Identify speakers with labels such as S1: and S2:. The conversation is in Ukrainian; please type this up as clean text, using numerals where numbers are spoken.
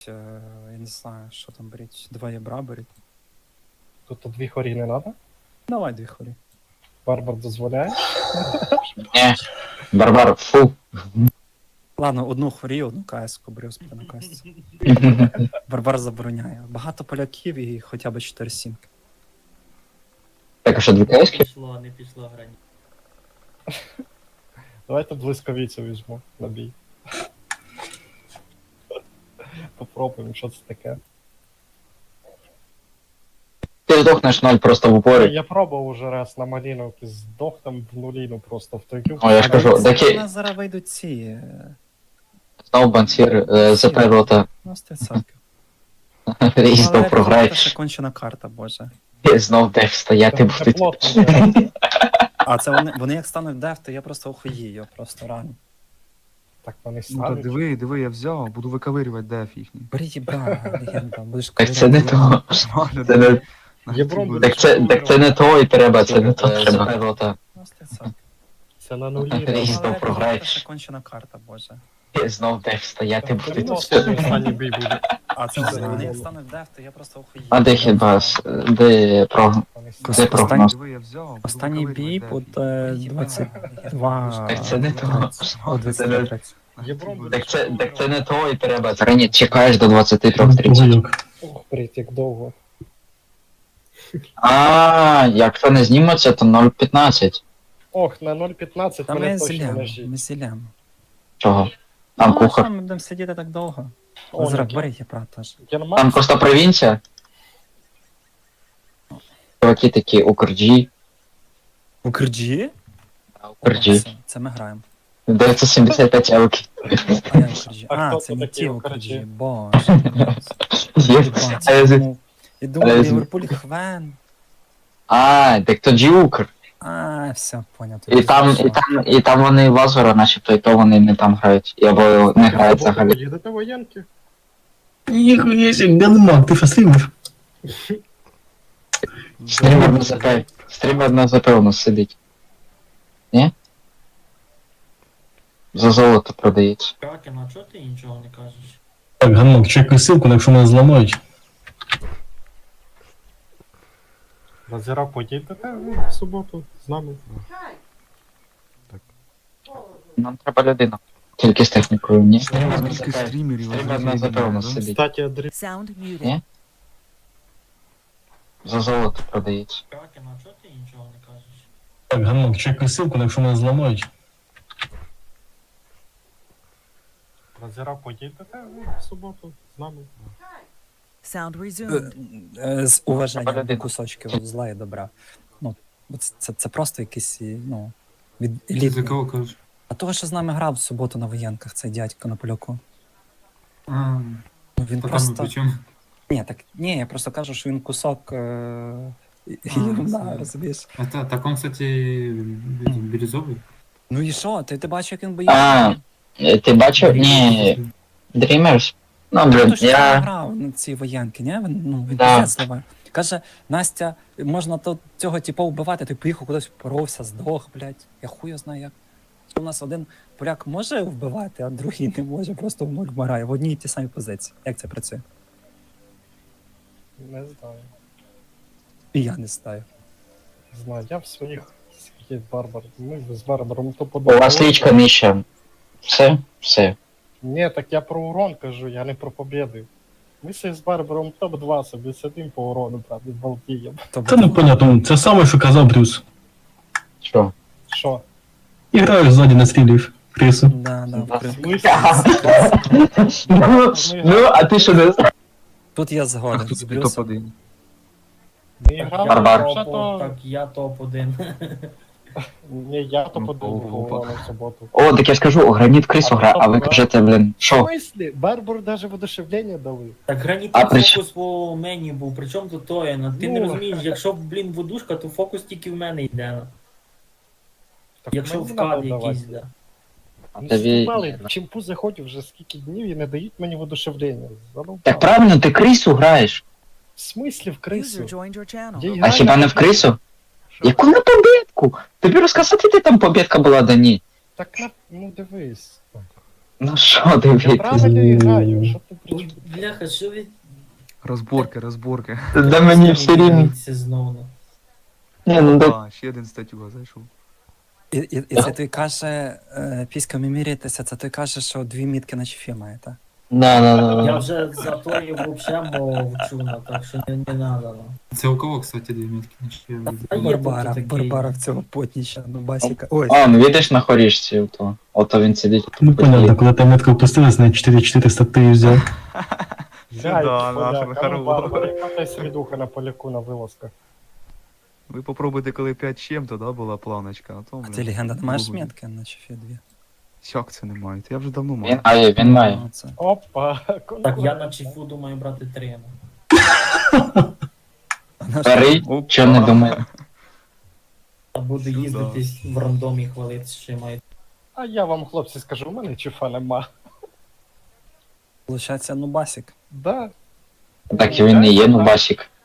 S1: Я не знаю, що там беріть. 2 ябра беріть.
S2: Тут 2 хорі не треба?
S1: Давай 2 хорі.
S2: Барбар дозволяє?
S3: Ні. Барбар, фу.
S1: Ладно, 1 хорі, 1 КС-ку беру собі на КС. Барбар забороняє. Багато поляків і хоча б 4 сімки.
S3: Так, а що, 2
S4: Не
S3: кайськи?
S4: пішло грані.
S2: Давайте блискавицю візьму на бій. Попробуємо, що це таке.
S3: Ти здохнеш 0 просто в упорі.
S2: Я пробував уже раз на маліновки, здох там в нуліну просто в той
S3: О, я ж кажу,
S1: У
S3: такі
S1: нас зараз вийдуть ці...
S3: знов бансір, ЗП рота.
S1: Ну, 100%.
S3: І знов програє.
S1: Це ще кончена карта, боже.
S3: І знов деф стояти
S2: Це
S3: будуть.
S2: плотно, да.
S1: А це вони як стануть деф, то я просто охуєю, просто рано.
S2: Так вони
S5: Ну та
S2: ставлять.
S5: диви, я взяв, буду виковирювати деф їхній.
S1: Беріть ібра, легенда, будеш
S3: Так це не то. Це не...
S2: Євром
S3: Так це не то і треба, це не то треба. ЗП рота.
S1: Ну, 100%.
S2: Це на нулі.
S3: І
S2: да.
S3: знов програєш.
S1: Це ще кончена карта, боже.
S3: І знов деф стояти
S2: Це
S3: будуть.
S2: останній бій буде.
S1: А це
S2: Це
S1: вони як
S2: було.
S1: стануть деф, то я просто охуєю.
S3: А де хібас? Де про...
S2: Вони
S3: Де прогноз?
S5: Диви, я взяв, буду
S1: Останній бій
S5: виковирювати
S1: буде
S5: деф.
S1: 22...
S3: Так це не то.
S1: О, 23.
S2: Євром буде.
S3: Так це не то і треба. Це ні, чекаєш до 23:30.
S2: Ох, блять, як довго.
S3: А, якщо не знімуться, то 0,15.
S2: Ох, на 0.15
S1: Та
S2: мене
S1: ми
S2: точно
S1: зілям,
S2: нажіть.
S1: ми зілям.
S3: Чого? Там
S1: Ну, а що,
S3: кухар.
S1: ми будемо сидіти так довго?
S2: О,
S1: Зрак,
S2: ні.
S1: беріть ябра теж.
S2: Герман,
S3: Там просто провінція. Чуваки такі Укрджі.
S1: У Кирджі?
S3: Укрджі.
S1: Це ми граємо.
S3: 975 евки.
S1: А я у Кирджі.
S2: А
S1: А,
S2: хто
S1: це
S2: це
S1: не
S2: такі
S1: ті
S2: у
S1: у
S2: Кирджі?
S1: Кирджі. Боже.
S3: Є.
S1: Єбать,
S3: А я з-
S1: я думав,
S3: а я з-
S1: Ліверпуль Хвен.
S3: А, так то Укр.
S1: А, все, поняв.
S3: І там вони Лазура начебто, і то вони не там грають. Або не грають взагалі.
S2: їдете воєнки?
S6: Ніхуя себе, ганмак, ти що стрімиш?
S3: Стрімер на ЗП. Стрімер на ЗП у нас сидить. Ні? За золото продається.
S4: Кракен, а чого ти нічого не кажеш?
S6: Так, ганмак, чекай ссылку, якщо мене зламають.
S2: На Зіра поїдете в суботу з нами?
S3: Нам треба людина. Тільки з технікою, ні?
S5: Скільки стрімерів
S3: Стрімер на ЗП у нас сидить.
S2: Кстати, Андрій,
S7: Sound muted.
S3: Ні? За золото продається.
S4: Кракен, а чого ти нічого не кажеш?
S6: Так, ганмак, чекай ссылку, якщо мене зламають.
S2: на Зіра поїдете в суботу з нами?
S7: Sound resumed.
S1: З уваженням
S3: Людина.
S1: до кусочків зла і добра. Ну, це просто якийсь, ну, від елітний.
S8: кажеш?
S1: А того, що з нами грав в суботу на воєнках, цей дядько на поляку.
S8: А,
S1: Ну, він
S8: по
S1: просто...
S8: тому причому.
S1: Ні, я просто кажу, що він кусок
S8: А,
S1: єрунда,
S8: це-
S1: розумієш?
S8: Так он, кстати, бирюзовий.
S1: Ну і що? Ти бачив, як він
S3: А,
S1: боїться?
S3: ти бачив? Ні. Dreamers? Ну, блін,
S1: Хто ж я...
S3: я...
S1: грав на ці воєнки, ні? Він
S3: Да.
S1: пиздець зливає. Каже, Настя, можна цього типа вбивати, ти поїхав кудись, поровся, здох, блядь. Я хуя знаю як. У нас один поляк може вбивати, а другий не може, просто в нуль вмирає в одній і ті самі позиції. Як це працює?
S2: Не знаю.
S1: І я не знаю.
S2: Не знаю, я в своїх скільки барбар. Ми з барбаром то
S3: У
S2: подобається.
S3: вас лічка нижча. Все? Все.
S2: Ні, так я про урон кажу, я не про побіди. Ми з барбаром топ-2 собі сидим по урону, правда, балдієм.
S6: Та ну понятно, це саме, що казав Брюс.
S3: Що?
S2: Що?
S6: І граєш ззаді настрілюєш крису.
S1: Да,
S3: Да.
S1: вкрив.
S3: Ну, а ти що не знаєш?
S1: Тут я
S5: А
S1: згоден
S5: хто
S1: з
S5: тобі
S1: Брюсом.
S5: топ-1?
S2: Ми грали
S3: Барбар.
S2: вже то...
S4: Так, я топ-1.
S2: Ні, я то
S5: Ну,
S2: подумав
S5: ого.
S2: по урону в суботу.
S3: О, так я ж кажу, граніт крису гра, а ви кажете, блін,
S2: В
S3: що?
S2: смислі? Барбар даже воодушевлення дали.
S4: Так
S3: А
S4: гранітний
S3: при
S4: фокус по мені був, причому тут Тоєна. Ти не
S2: Ну.
S4: розумієш, якщо, блін, водушка, то фокус тільки в мене йде.
S2: Так
S4: Якщо
S2: мені
S4: вкад
S2: надо давати.
S4: якийсь, да.
S2: Ну,
S3: Тобі-
S2: знімали, чимпу заходив вже скільки днів і не дають мені воодушевлення. Задовбали.
S3: Так правильно, ти крису граєш.
S2: В смислі в
S7: User
S2: крису?
S7: joined your channel.
S2: Я
S3: А
S2: граю
S3: хіба не в крису? Яку на побєдку? Тобі розказати, де там побєдка була, да ні?
S2: Так на... ну дивись.
S3: Ну що
S2: Я
S3: дивитись?
S2: правильно граю, що ти
S4: Ой,
S2: причому?
S4: бляха, що ви...
S5: Розборки.
S3: Да мені все рівно.
S4: Дивіться знову.
S3: Ні, ну да.
S5: А, ще один статюга зайшов.
S1: І це той каже, піськами мірятися, це той каже, що 2 мітки на чефі має, так?
S3: Да.
S4: Я вже за то і взагалі мовчу, так що не надо.
S8: Це у кого, кстати, 2 метки? Значить, я виду.
S4: Та є
S1: Барбара,
S4: тут такий.
S1: Барбара в цього потніща, ну басіка. Ой,
S3: А, ну видиш на хорішці, ото він сидить.
S6: Ну понятно, куда там метка опустилась, на 4400 ты взял.
S2: Зяйки,
S5: Да, наша
S2: поляк, а ну,
S5: хороша.
S2: Барбара, яка та свідуха на поляку на вилазках.
S5: Ви попробуйте, коли 5 чим-то, да, була планочка, а то,
S1: а ти легенда, не маєш
S5: Google.
S1: метки на чефі 2?
S5: Як це не маєте? Я вже давно
S3: Він
S5: маю.
S3: має, він має.
S1: Ну, це.
S2: Опа,
S4: Так, я на чіфу думаю брати 3.
S3: Старий,
S5: Опа.
S3: що не думає.
S4: А буду
S5: Сюда.
S4: їздити в рандомі хвалити, що маю.
S2: А я вам, хлопці, скажу, у мене чифа нема.
S1: Получається, ну басік.
S2: Да.
S3: Так і він не є, ну басік.